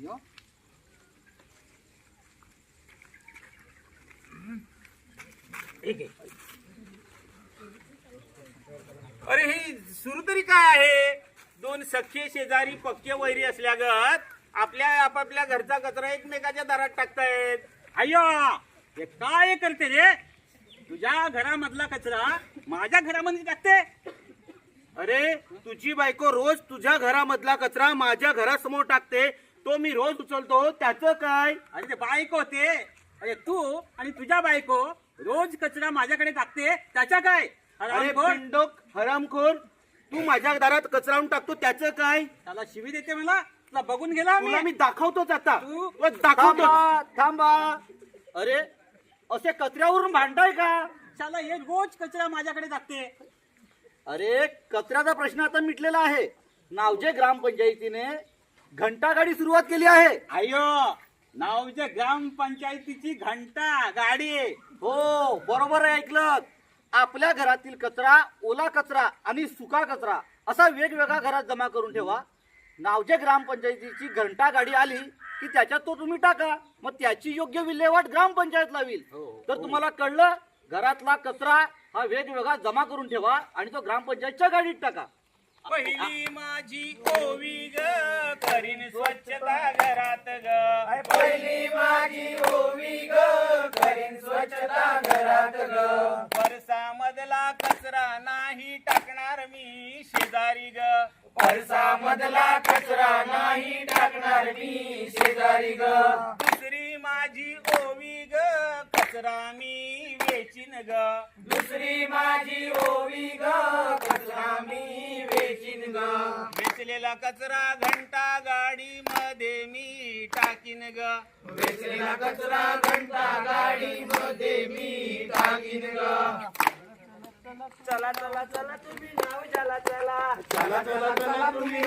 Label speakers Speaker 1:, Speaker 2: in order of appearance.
Speaker 1: यो
Speaker 2: अरे हे सुरू तरी काय आहे? दोन सख्खे शेजारी पक्के वैरी असल्यागत आपल्या आपापल्या घरचा कचरा एकमेकाच्या दारात टाकतायत.
Speaker 3: अय्यो हे काय करते रे? तुझ्या घरामधला कचरा माझ्या घरामध्ये टाकते.
Speaker 2: अरे तुझी बायको रोज तुझ्या घरामधला कचरा माझ्या घरासमोर टाकते, तो मी रोज उचलतो, त्याचं काय?
Speaker 3: अरे ते बायको ते, अरे तू आणि तुझ्या बायको रोज कचरा माझ्याकडे टाकते, त्याच्या काय?
Speaker 2: अरे
Speaker 3: हरामखोर.
Speaker 2: पिंडोक हरामखोर, तू माझ्या दारात कचरा आणून टाकतो, त्याचं काय?
Speaker 3: त्याला शिवी देते मला. तुला बघून गेला
Speaker 2: तुला मी दाखवतोच आता.
Speaker 3: तू-
Speaker 2: तुला दाखवतो.
Speaker 1: थांबा. अरे असे कचऱ्यावरून भांडाय का?
Speaker 3: त्याला हे रोज कचरा माझ्याकडे टाकते.
Speaker 1: अरे कचऱ्याचा प्रश्न आता मिटलेला आहे. नावजे ग्रामपंचायतीने घंटागाडी सुरुवात केली आहे.
Speaker 3: अय्यो नावच्या ग्रामपंचायतीची घंटा गाडी.
Speaker 1: हो बरोबर आहे, ऐकलं. आपल्या घरातील कचरा, ओला कचरा आणि सुका कचरा असा वेगवेगळा घरात जमा करून ठेवा. नावजे ग्रामपंचायतीची घंटा गाडी आली की त्याच्यात तो तुम्ही टाका. मग त्याची योग्य विल्हेवाट ग्रामपंचायत लावील. तर तुम्हाला कळलं, घरातला कचरा हा वेगवेगळा जमा करून ठेवा आणि तो ग्रामपंचायतच्या गाडीत टाका.
Speaker 2: पहिली माझी ओवी ग करीन स्वच्छता घरात ग. पहिली माझी ओवी ग करीन स्वच्छता घरात ग. परसामधला कचरा नाही टाकणार मी शेजारी ग. परसामधला कचरा नाही टाकणार मी शेजारी ग. दुसरी माझी ओवी ग कचरा मी वेचीन ग. दुसरी माझी ओवी ग कचरा मी वेचीन ग. वेचलेला कचरा घंटा गाडी मध्ये मी टाकीन ग. वेचलेला कचरा घंटा गाडी मध्ये मी टाकीन ग. चला चला चला तुम्ही नाव चला चला चला चला चला तुम्ही